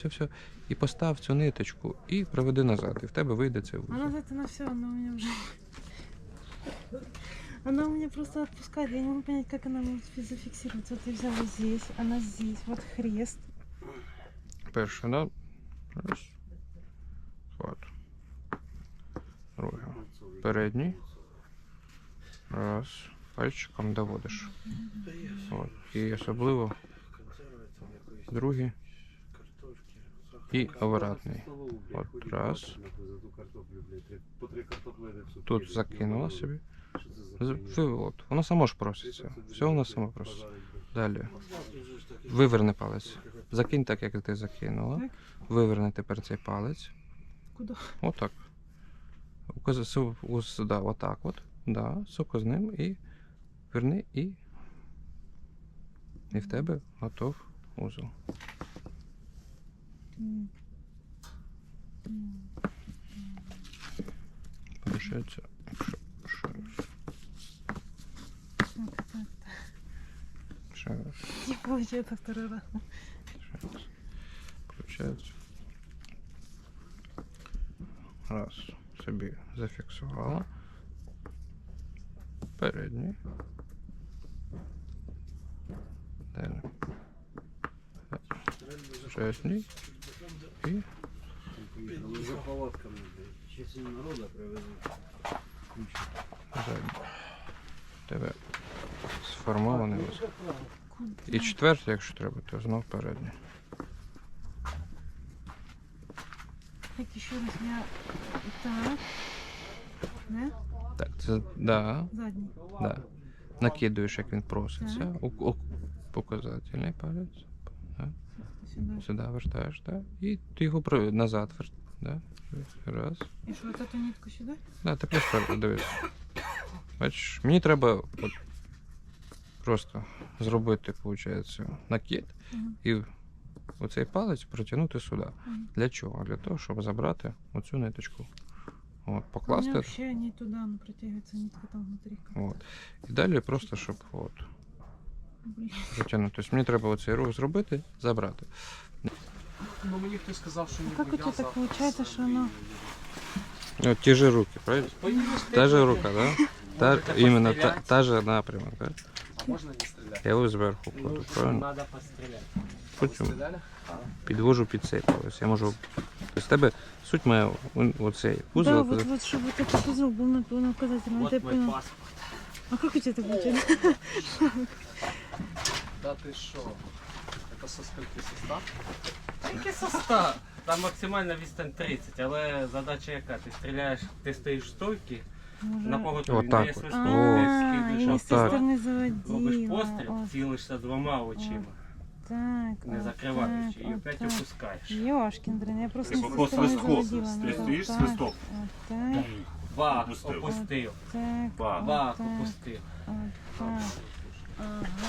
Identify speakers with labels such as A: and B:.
A: Все. І постав цю ниточку і проведи назад. І в тебе вийде цей
B: А
A: вузол.
B: назад она все, она у меня уже... Она у меня просто отпускает. Я не могу понять, как она может зафиксироваться. Вот я взяла здесь, она здесь. Вот хрест.
A: Перше, да? Раз. Хват. Другий. Передній. Раз. Пальчиком доводиш. От. І особливо другий. І обратний. От. Раз. Тут закинула собі. От. Воно само ж проситься. Все воно само проситься. Далі. Виверни палець. Закинь так, як ти закинула.
B: Так.
A: Виверни тепер цей палець.
B: Куда?
A: Отак. Да, отак от. Да, суко з ним і верни і в тебе готов узол. Получається, ще раз.
B: Не получается второй раз.
A: Получається. Раз, собі зафіксувала. Передній. Далі. Задній. І
C: За палатками, частину народу привезуть.
A: задній. Тебе сформований узол.
B: Куда?
A: І четвертий, якщо треба, то знов передній.
B: Так, еще раз я... Так. Да?
A: Так, це, да,
B: Задний.
A: да. Накидуєш, як він проситься. Показательний палець. Да.
B: Сюда.
A: Сюди вертаєш, да. І ти його назад вертаєш. Да. Раз.
B: И что, вот эту нитку сюда?
A: Да, ти просто дивись. Бачиш, мені треба от просто зробити, виходить, накид і оцей палець протягнути сюди. Для чого? Для того, щоб забрати оцю ниточку. От,
B: У меня
A: покласти.
B: вообще не туда, она протягивается, нитка там внутри.
A: От. І далі просто, щоб от,
B: Блин.
A: протягнути. Тобто мені треба оцей рух зробити, забрати.
C: Ну мені хтось сказав, що
B: А как у тебя так получается, что оно...
A: От ті ж руки, правильно? Та же рука, да? Іменно та же напрямок, да?
C: Можна не стріляти?
A: Я його зверху кладу, правильно?
C: Треба постріляти.
A: Потім
C: Стріляли?
A: підвожу під цей палець. Я можу... Тобто в тебе суть моя оцей
B: Да,
A: узол.
B: вот, чтобы вот этот узел был на указательном, это я
C: Вот мой
B: поняла.
C: паспорт.
B: А как у тебя так получается?
C: Да ти що? Це со скільки состав? Який состав? Там максимальна відстань 30, але задача яка? Ти стріляєш, ти стоїш в стойці, на поготові
A: Отак
C: не є
A: от.
C: свисток,
B: А,
C: ти
B: я с
C: скидуєш
B: той
A: так.
B: стороны
C: робиш
B: заводила.
C: постріл, цілишся двома очима,
B: Так,
C: не
B: вот
C: закриваючи, і
B: так,
C: опять
B: вот так.
C: опускаєш.
B: Ёшкин дрын, я просто
D: Типа
B: с
D: по
B: той стороны
D: свистку.
B: заводила.
D: Ти стоїш,
B: так,
D: свисток.
B: Вот так,
C: Бах,
D: Опустив.
C: опустив.
B: так,
D: Бах.
B: вот
C: Бах,
B: так,
C: опустив.
B: вот так. Ага.